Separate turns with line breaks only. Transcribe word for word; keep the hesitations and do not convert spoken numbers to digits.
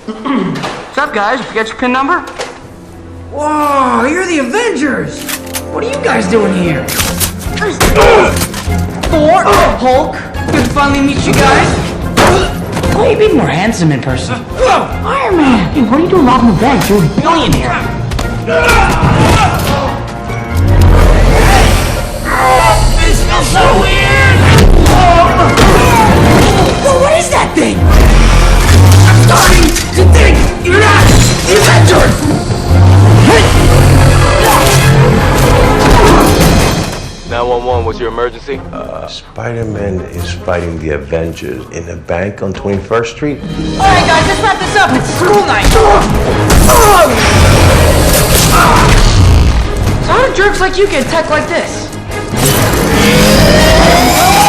What's up, guys? Forget your pin number?
Whoa, you're the Avengers! What are you guys doing here?
Thor, Hulk. Good to finally meet you guys.
Oh, you'd be more handsome in person.
Iron Man. Hey, what are you doing robbing the bank? You're a billionaire.
This feels so weird! Whoa, what is that thing? I'm starting to think you're not the Avengers!
nine one one, what's your emergency?
Uh, Spider-Man is fighting the Avengers in a bank on twenty-first street.
Alright, guys, let's wrap this up. It's school night. So how do jerks like you get tech like this?